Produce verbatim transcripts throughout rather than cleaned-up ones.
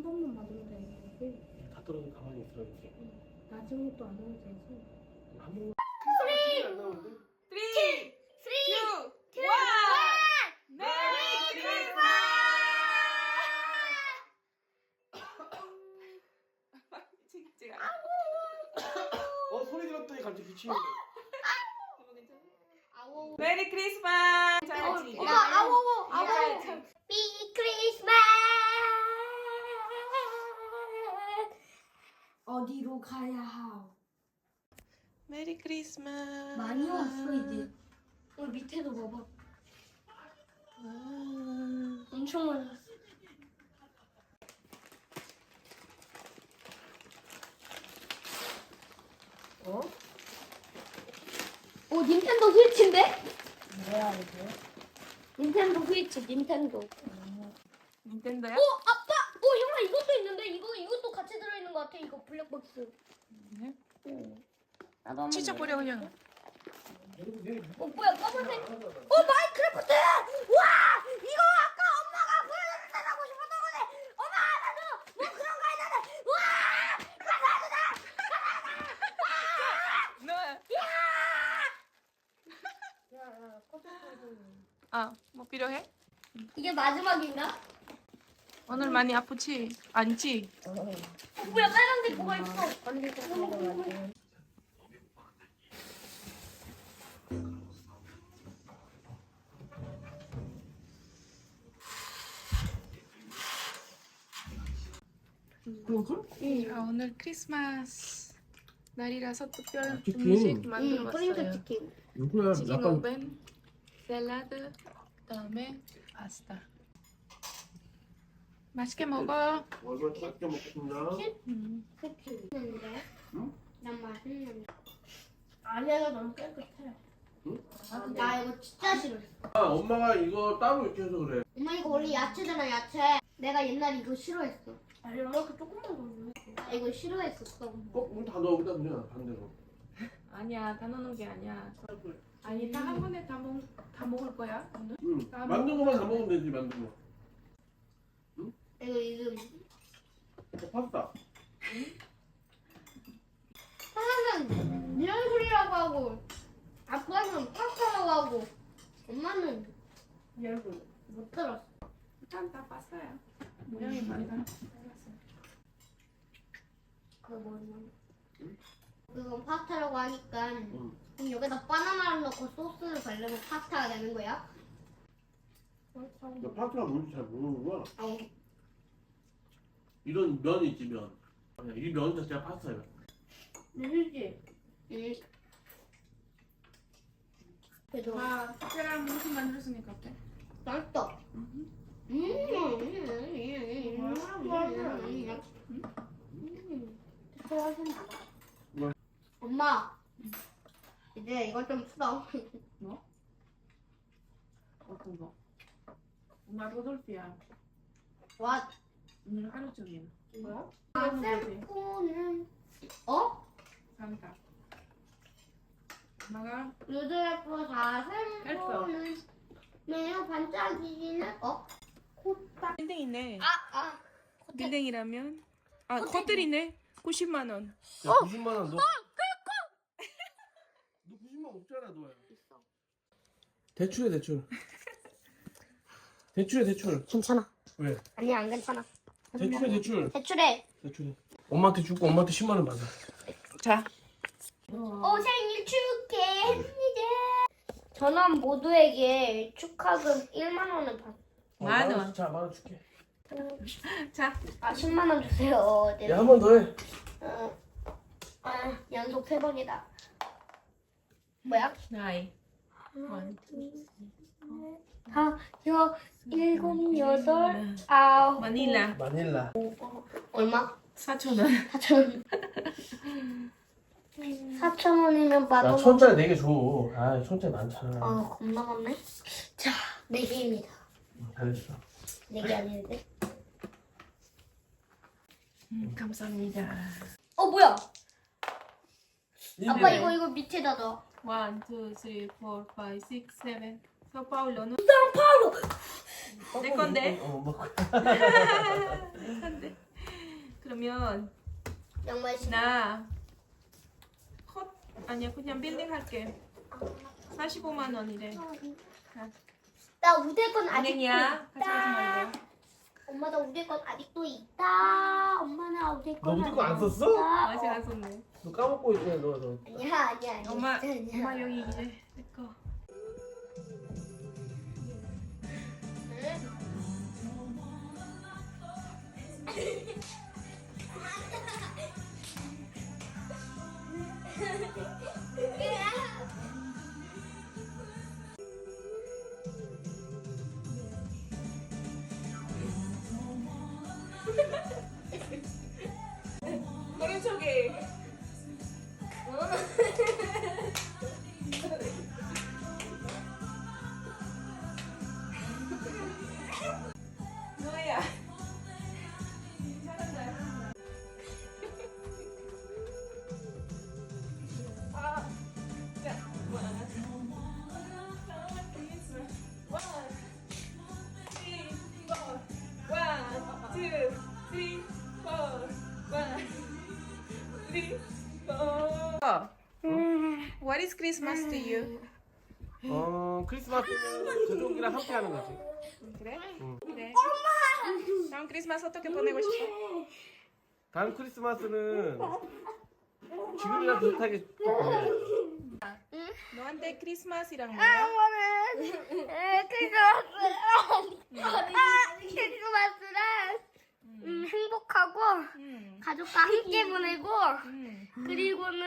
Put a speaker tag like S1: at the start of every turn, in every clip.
S1: 번만 맞으면 되는 거고.
S2: 다 떨어져 가만히 있으라고.
S1: 나중에 또 안 오면 되지.
S2: 한 번만. 쓰리. 안 나오는데?
S3: 쓰리, 투, 원. 메리 크리스마스!
S2: 어 소리 들었더니 갑자기 기침이.
S3: 메리 크리스마스! 잘하지?
S1: 어, 아우, 아우.
S4: 비 크리스마스
S1: 어디로 가야 하오?
S3: 메리 크리스마스!
S1: 많이 왔어 이제. 여기 밑에도 봐봐. 엄청 많이 왔어.
S4: 어? 오 닌텐도 스위치인데?
S1: 뭐야 이게?
S4: 닌텐도 스위치 닌텐도
S3: 닌텐도야?
S4: 오 아빠! 오 형아 이것도 있는데 이거 이것도 같이 들어있는 것 같아 이거 블랙박스
S3: 네?
S4: 응. 나도 한번
S3: 진짜 뿌려 그냥.
S4: 어 뭐야 까만색 어 마인크래프트! 와 이거 아까 엄마가 보여달라고 싶었던 거네 엄마 나도 뭐 그런 거 있는데 와
S3: 너. 아, 뭐 필요해?
S4: 이게 마지막인가?
S3: 오늘 많이 아프지? 아니지?
S4: 어, 뭐야 빨간색 뭐가 있어
S3: 아, 오늘 크리스마스 날이라서 특별
S2: 치킨.
S3: 음식
S4: 응
S3: 만들어
S4: 프린트
S3: 봤어요.
S4: 치킨
S2: 누구야?
S3: 치킨
S2: 약간
S3: 오븐, 샐러드, 그다음에 파스타. 맛있게 먹어.
S2: 얼굴 작게 먹겠습니다.
S3: 음.
S4: 그치 근데
S2: 응?
S4: 난 맛있는데
S1: 안에가 너무 깨끗해.
S4: 나 이거 진짜 싫어
S2: 아 엄마가 이거 따로 이렇게 해서 그래.
S4: 엄마 이거 원래 야채잖아 야채 내가 옛날에 이거 싫어했어
S1: 아니 이렇게 조금만 더 줘.
S4: 나 이거 싫어했었어
S2: 꼭다 넣어보다 그냥 반대로.
S3: 아니야, 다 넣는 게 아니야. 아니, 다 한 번에 다, 먹, 다 먹을 거야? 오늘?
S2: 응.
S3: 다
S2: 만든 거만 다 먹으면 되지 만든 거.
S4: 이거 이름
S2: 어, 파스타.
S4: 하나는 미연술이라고 하고 아빠는 파스타라고 하고 엄마는
S1: 열불.
S4: 못 들었어
S3: 일단 다 봤어요. 모양이 많이 달랐어.
S4: 그거 뭐냐 그건 파스타라고 하니까
S2: 응.
S4: 그럼 여기다 바나나를 넣고 소스를 바르면 파스타가 되는 거야?
S2: 너 파스타가 뭔지 잘 모르는구나.
S4: 어.
S2: 이런 면이 있지 면. 아니야, 이 면 자체가 파스타야.
S1: 누구지?
S4: 응. 그래도
S3: 와, 특별한 음식 만들었으니까 어때?
S4: 맛있다 음. 음.
S2: 뭐?
S4: 엄마 이제 이거 좀 풀어
S3: 어떤 거? 엄마 로돌피야.
S4: 와
S3: 오늘 하루 종일.
S1: 뭐야?
S4: 셀프는 어?
S3: 산타. 엄마가
S4: 루드레프 사슴포는 매우 반짝이는 어? 코딱
S3: 빌딩이네.
S4: 아! 아!
S3: 빌딩이라면 아, 호텔이네. 구십만 원.
S2: 야, 구십만 원 너. 어, 너 구십만 원 없잖아 너야.
S4: 있어
S2: 대출해 대출. 대출해 대출.
S4: 괜찮아
S2: 왜?
S4: 아니 안 괜찮아
S2: 대출해 대출.
S4: 대출해
S2: 대출해. 엄마한테 주고 엄마한테 십만 원 받아.
S3: 자,
S4: 오 생일 축하합니다 전원 모두에게 축하금 일만 원을 받
S2: 어,
S3: 만
S2: 만
S3: 원.
S2: 자, 만 원 줄게.
S3: 자,
S4: 아 십만 원 주세요 네.
S2: 야, 한 번 더 해.
S4: 어. 아 연속 세 번이다 뭐야?
S3: 나이. 원,
S4: 다, 여, 일곱, 여덟, 아홉
S3: 마닐라.
S2: 마닐라.
S4: 얼마?
S3: 사천 원.
S4: 사천 사천 원이면
S2: 나
S4: 받아
S2: 천짜리 네 개 줘. 아, 천짜리 많잖아.
S4: 아 겁나 많네 자, 네 개입니다
S2: 응, 잘했어.
S4: 네 개 아닌데
S3: 음, 감사합니다.
S4: 어 뭐야? 아빠
S2: 일
S4: 이거 이거 밑에다 넣어
S3: 원, 투, 쓰리, 포, 파이, 식스, 세븐. 서파울로는
S4: 파울로
S3: 내 건데.
S2: 어, 뭐.
S3: 내 건데. 그러면
S4: 양말 신고.
S3: 나 컷 아니야 그냥 빌딩 할게. 사십오만 원이래.
S4: 나 우대 건 아직도
S3: 은행이야. 가져가지
S4: 있다.
S3: 말고.
S4: 엄마 나 우대 건 아직도 있다. 엄마 나 우대 건.
S2: 너 우대 거안
S4: 아직도
S2: 썼어?
S4: 있다.
S3: 아직 안 썼네.
S2: 너 까먹고 있네 너 너.
S4: 아니야 아니야 아니야.
S3: 엄마
S4: 아니야.
S3: 엄마 여기 이제 내 거. 오른쪽에. 뭐야? 잘한다. 아, 자, one, two, three, four, one, two, three, four. What is Christmas to you?
S2: 어 크리스마스는 가족이랑 함께 하는 거지.
S3: 그래?
S2: 응.
S3: 그래. 다음 크리스마스 어떻게 보내고 싶어?
S2: 다음 크리스마스는 지금이랑 비슷하게 또 보내.
S3: 너한테 크리스마스랑 뭐야?
S4: 이거는 크리스마스. 아, 크리스마스는 음, 행복하고
S3: 음.
S4: 가족과 함께 보내고
S3: 음.
S4: 그리고는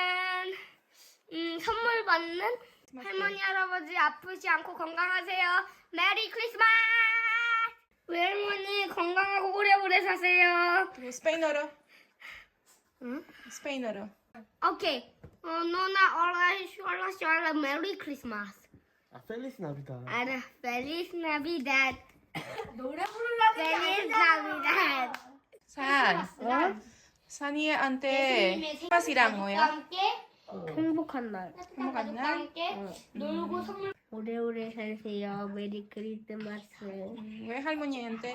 S4: 음, 선물 받는 할머니 할아버지 아프지 않고 건강하세요. 메리 크리스마스. 우리 할머니 건강하고 오래오래 사세요.
S3: 그리고 스페인어로.
S4: 응?
S3: 스페인어로.
S4: 오케이. 어, 너나 올라 슈알라 슈알라 메리 크리스마스.
S2: 아 펠리스 나비다.
S4: 알아. 펠리스 나비닷.
S1: 노래 부르려는 게
S4: 펠리스
S1: 아니잖아.
S4: 나비닷.
S3: 산. 산이한테 크리스마스랑 뭐야?
S4: 함께 행복한 날.
S3: 행복한 날?
S4: 함께 놀고 선물. 오래오래 사세요. 메리 크리스마스.
S3: 음, 왜 할머니한테?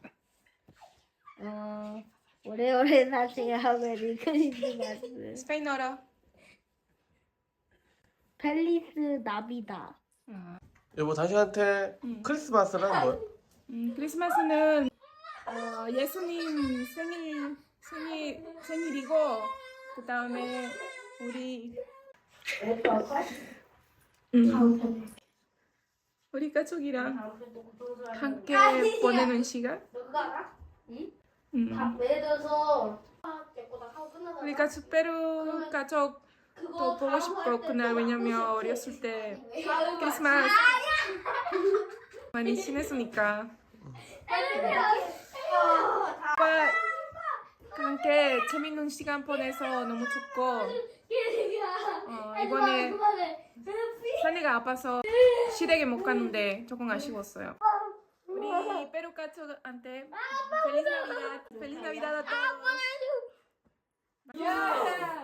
S4: 어, 오래오래 사세요. 메리 크리스마스.
S3: 스페인어로.
S4: 펠리스 나비다.
S3: 어.
S2: 여보 당신한테
S3: 응.
S2: 크리스마스란 뭐?
S3: 음, 크리스마스는 어, 예수님 생일 생일 생일이고 그 다음에 우리 음, 우리 가족이랑 함께 보내는 시간. 음,
S4: 예를 들어서 하고 끝나서
S3: 우리 가족 페루 가족 또 보고 싶고 그날 왜냐면 어렸을 때 크리스마스 많이 지냈으니까 오빠 함께 재밌는 시간 보내서 너무 좋고 어, 이번에 산이가 아파서 시댁에 못 갔는데 조금 아쉬웠어요. 우리 페루 가족한테 펠리스 나비다 펠리스 나비다 또